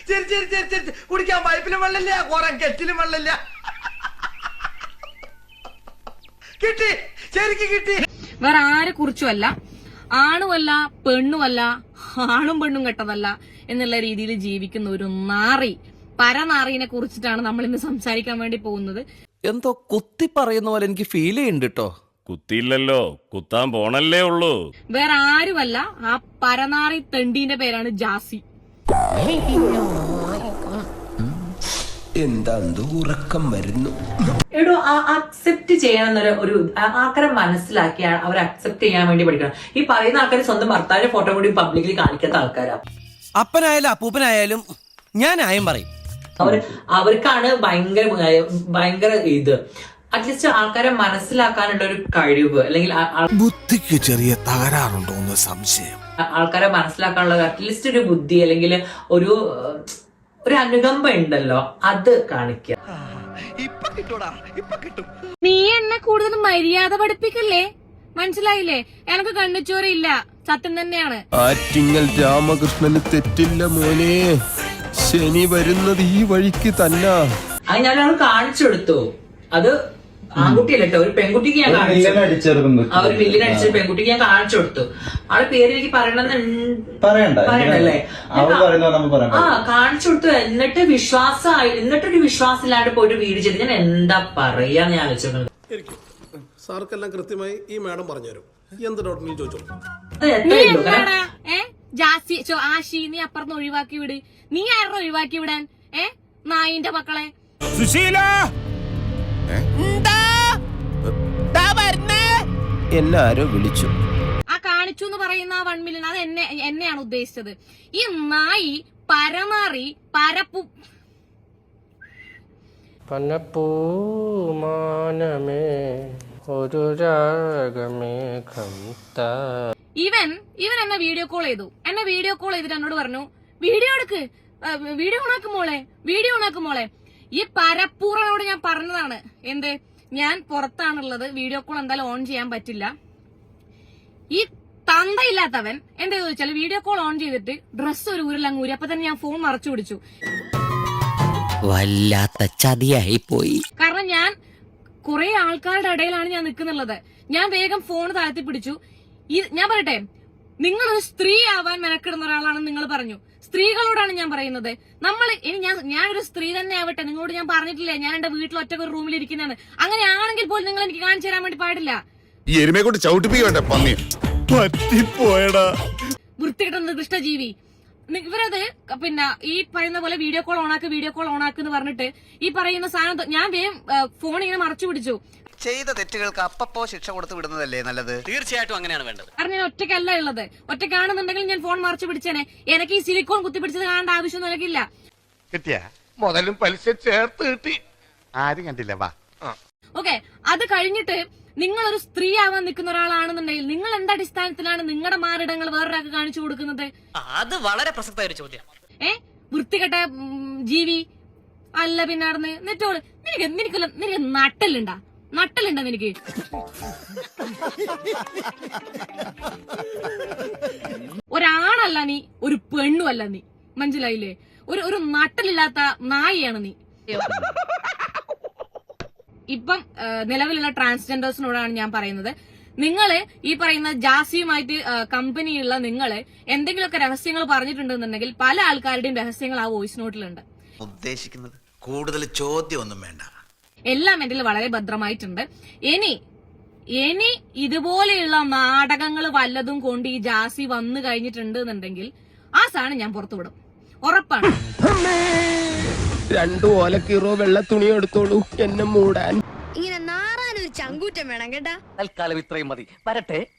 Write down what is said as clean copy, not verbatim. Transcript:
ശരി ശരി ശരി ശരി കുടിക്കാൻ പൈപ്പിലും വെള്ളമില്ല കുറെ കെറ്റിലും വെള്ളമില്ല കിട്ടി ശരിക്കും കിട്ടി. വേറെ ആരെ കുറിച്ചുമല്ല, ആണുമല്ല പെണ്ണുമല്ല, ആണും പെണ്ണും കെട്ടതല്ല എന്നുള്ള രീതിയിൽ ജീവിക്കുന്ന ഒരു നാറി, പരനാറിനെ കുറിച്ചിട്ടാണ് നമ്മൾ ഇന്ന് സംസാരിക്കാൻ വേണ്ടി പോകുന്നത്. എന്തോ കുത്തി പറയുന്ന പോലെ എനിക്ക് ഫീൽ ചെയ്യുന്നുണ്ട് കേട്ടോ. കുത്തിയില്ലല്ലോ, കുത്താൻ പോണല്ലേ ഉള്ളൂ. വേറെ ആരുമല്ല, ആ പരനാറി തെണ്ടീന്റെ പേരാണ് ജാസി. എന്താ ഉറക്കം വരുന്നു. എടോ അക്സെപ്റ്റ് ചെയ്യണമെന്നൊരു ഒരു ആൾക്കാരെ മനസ്സിലാക്കി അവർ അക്സെപ്റ്റ് ചെയ്യാൻ വേണ്ടി പഠിക്കണം. ഈ പറയുന്ന ആൾക്കാർ സ്വന്തം ഭർത്താവിന്റെ ഫോട്ടോ കൂടി പബ്ലിക്കലി കാണിക്കാത്ത ആൾക്കാരാ. അപ്പനായാലും അപ്പൂപ്പനായാലും ഞാനായും പറയും. അവർക്കാണ് ഭയങ്കര ഇത്. അറ്റ്ലീസ്റ്റ് ആൾക്കാരെ മനസ്സിലാക്കാനുള്ള ഒരു കഴിവ്, അല്ലെങ്കിൽ ബുദ്ധിക്ക് ചെറിയ തകരാറുണ്ടോ എന്ന് സംശയം. ആൾക്കാരെ മനസ്സിലാക്കാനുള്ള അറ്റ്ലീസ്റ്റ് ഒരു ബുദ്ധി, അല്ലെങ്കിൽ ഒരു അനുകമ്പ ഉണ്ടല്ലോ, അത് കാണിക്കുക. നീ എന്നെ കൂടുതൽ മര്യാദ പഠിപ്പിക്കല്ലേ, മനസ്സിലായില്ലേ? എനിക്ക് കണ്ണിച്ചോറില്ല, സത്യം തന്നെയാണ്. ആറ്റിങ്ങൽ രാമകൃഷ്ണന് തെറ്റില്ല മോനെ, ശനി വരുന്നത് ഈ വഴിക്ക് തന്നെ. അത് ഞാൻ കാണിച്ചു കൊടുത്തു. അത് ആൺകുട്ടിയല്ല കേട്ടോ, ഒരു പെൺകുട്ടിക്ക് ഞാൻ കാണിച്ചു. ഒരു വില്ലിന് അടിച്ച പെൺകുട്ടിക്ക് ഞാൻ കാണിച്ചു കൊടുത്തു. ആളെ പേര് എനിക്ക് പറയണ്ടല്ലേ? കാണിച്ചു കൊടുത്തു. എന്നിട്ടൊരു വിശ്വാസമില്ലാണ്ട് പോയിട്ട് വീട് ചെയ്ത് ഞാൻ എന്താ പറയാന്ന് ഞാൻ ആലോചിച്ചത്. സാർക്കെല്ലാം കൃത്യമായി ഈ മാഡം പറഞ്ഞുതരും. എന്ത് ഡോക്ടറിനും ചോദിച്ചോളൂ. ജാസി ആശി, നീ അപ്പുറത്ത് ഒഴിവാക്കി വിട്. നീ ആരുടെ ഒഴിവാക്കി വിടാൻ? നായിന്റെ മക്കളെ. സുശീല എന്നെ ആരോ വിളിച്ചു. ആ കാണിച്ചു എന്ന് പറയുന്ന ആ 1 മില്യൺ അത് എന്നെയാണ് ഉദ്ദേശിച്ചത്. ഈ നായി പരമാറി പരപ്പു പനപ്പൂമാനമേ ഒരു രാഗമേഘം താ. ഇവൻ എന്നെ വീഡിയോ കോൾ ചെയ്തിട്ട് എന്നോട് പറഞ്ഞു, വീഡിയോ എടുക്ക്, വീഡിയോ ഓണാക്കും മോളെ. ഈ പരപ്പൂറനോട് ഞാൻ പറഞ്ഞതാണ്, എന്ത്, ഞാൻ പുറത്താണുള്ളത്, വീഡിയോ കോൾ എന്തായാലും ഓൺ ചെയ്യാൻ പറ്റില്ല. ഈ തന്തയില്ലാത്തവൻ എന്താ ചോദിച്ചാൽ വീഡിയോ കോൾ ഓൺ ചെയ്തിട്ട് ഡ്രസ്സ് ഒരു ഊരെല്ലാം ഊരി. അപ്പൊ തന്നെ ഞാൻ ഫോൺ മറച്ചു പിടിച്ചു. വല്ലാത്ത ചതിയായി പോയി. കാരണം ഞാൻ കുറെ ആൾക്കാരുടെ ഇടയിലാണ് ഞാൻ നിൽക്കുന്നുള്ളത്. ഞാൻ വേഗം ഫോൺ താഴ്ത്തി പിടിച്ചു. ഞാൻ പറയട്ടെ, നിങ്ങളൊരു സ്ത്രീ ആവാൻ മെനക്കിടുന്ന ഒരാളാണെന്ന് നിങ്ങൾ പറഞ്ഞു. സ്ത്രീകളോടാണ് ഞാൻ പറയുന്നത്. ഞാനൊരു സ്ത്രീ തന്നെ ആവട്ടെ, നിങ്ങളോട് ഞാൻ പറഞ്ഞിട്ടില്ലേ ഞാൻ എന്റെ വീട്ടിൽ ഒറ്റ ഒരു റൂമിൽ ഇരിക്കുന്നതാണ്. അങ്ങനെയാണെങ്കിൽ പോലും നിങ്ങൾ എനിക്ക് കാണിച്ചു തരാൻ വേണ്ടി പാടില്ല. വൃത്തികെട്ട ദുഷ്ടജീവി. ഇവരത് പിന്നെ ഈ പറയുന്ന പോലെ വീഡിയോ കോൾ ഓണാക്ക് എന്ന് പറഞ്ഞിട്ട് ഈ പറയുന്ന സാധനം ഞാൻ വേഗം ഫോൺ ഇങ്ങനെ മറച്ചു പിടിച്ചു. ചെയ്ത തെറ്റുകൾക്ക് അപ്പപ്പോ ശിക്ഷ കൊടുത്തു വിടുന്നതല്ലേ നല്ലത്? തീർച്ചയായിട്ടും അങ്ങനെയാണ് വേണ്ടത്. കാരണം ഞാൻ ഒറ്റയ്ക്കല്ല ഉള്ളത്. ഒറ്റയ്ക്കാണെന്നുണ്ടെങ്കിൽ ഞാൻ ഫോൺ മറച്ചു പിടിച്ചേനെ. എനിക്ക് ഈ സിലിക്കോൺ കുത്തിപ്പിടിച്ചത് കാണേണ്ട ആവശ്യമൊന്നും എനിക്കില്ല. കിട്ടിയ മുതലും പലിശ ചേർത്ത് കിട്ടി. ആരും കണ്ടില്ല. വാ. ഓക്കെ, അത് കഴിഞ്ഞിട്ട് നിങ്ങളൊരു സ്ത്രീ ആവാൻ നിൽക്കുന്ന ഒരാളാണെന്നുണ്ടെങ്കിൽ നിങ്ങൾ എന്ത് അടിസ്ഥാനത്തിലാണ് നിങ്ങളുടെ മാറിടങ്ങൾ വേറൊരാൾക്ക് കാണിച്ചു കൊടുക്കുന്നത്? അത് വളരെ പ്രസക്തമായ ഒരു ചോദ്യം. വൃത്തികെട്ട ജീവി അല്ല. പിന്നെ നടന്ന് നെറ്റോള് നിനക്ക് നട്ടലുണ്ടാ നിനക്ക്? ഒരാണല്ല നീ, ഒരു പെണ്ണുമല്ല നീ, മനസ്സിലായില്ലേ? ഒരു നട്ടലില്ലാത്ത നായിയാണ് നീ. ഇപ്പം നിലവിലുള്ള ട്രാൻസ്ജെൻഡേഴ്സിനോടാണ് ഞാൻ പറയുന്നത്, നിങ്ങള് ഈ പറയുന്ന ജാസിയുമായിട്ട് കമ്പനിയുള്ള നിങ്ങള് എന്തെങ്കിലുമൊക്കെ രഹസ്യങ്ങൾ പറഞ്ഞിട്ടുണ്ടെന്നുണ്ടെങ്കിൽ പല ആൾക്കാരുടെയും രഹസ്യങ്ങൾ ആ വോയിസ് നോട്ടിലുണ്ട്. ഉദ്ദേശിക്കുന്നത് കൂടുതൽ ചോദ്യമൊന്നും വേണ്ട, എല്ലാം എന്റെ വളരെ ഭദ്രമായിട്ടുണ്ട്. ഇനി ഇതുപോലെയുള്ള നാടകങ്ങൾ വല്ലതും കൊണ്ട് ഈ ജാസി വന്നു കഴിഞ്ഞിട്ടുണ്ട് എന്നുണ്ടെങ്കിൽ ആ സാധനം ഞാൻ പുറത്തുവിടും, ഉറപ്പാണ്. 2 ഓലക്കീറോ വെള്ള തുണി എടുത്തോളൂ എന്നെ മൂടാൻ. ഇങ്ങനെ നാറാനൊരു ചങ്കൂറ്റം വേണം കേട്ടാ. തൽക്കാലം ഇത്രയും മതി. വരട്ടെ.